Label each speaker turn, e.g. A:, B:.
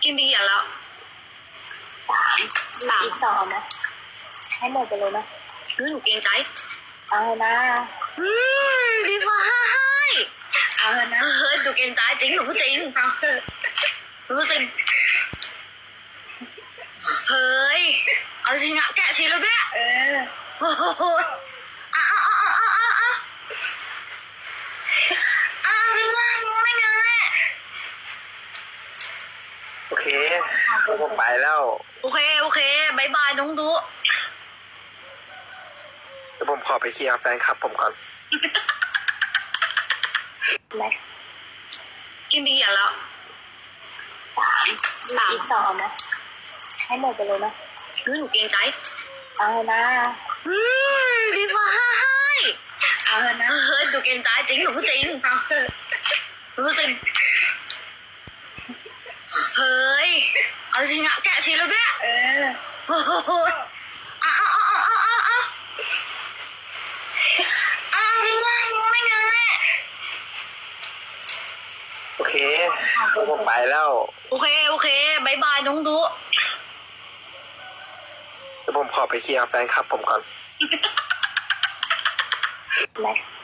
A: กินไปกี่อันแล้ว
B: สามอีกสองเอาไหมให้หมดไปเลยนะ
A: หนูเกรงใจ
B: เอานะ
A: พี่ฟ้า
B: เอานะ
A: เฮ้ยหนูเกรงใจจริงหนูพูดจริง
B: เอา
A: หนูพูดจริงเฮ้ยเอาจริงอะแกะชิ้นแล้วแกโอ้โห
C: โอเคผมไปแล้ว
A: โอเคบายบายน้องดู
C: เดี๋ยวผมขอไปเคลียร์แฟนคลับผมก่อน
B: ไหม
A: กินไปกี่อันแล้ว
B: สามอีกสองเอาไหมให้หมดไปเลยนะ
A: หนูเกรงใจ
B: เอานะ
A: พี่ฟ้า
B: เอานะ
A: เฮ้ยหนูเกรงใจจริงหนูพูดจริง
B: เอา
A: หนูพูดจริงเฮ้ยเอาจริงอะแกะชิ้นแล้วแกโอ้โห
C: โอเคผมไปแล้ว
A: โอเคบายบายน้องดู
C: เดี๋ยวผมขอไปเคลียร์แฟนคลับผมก่อน
B: ไหม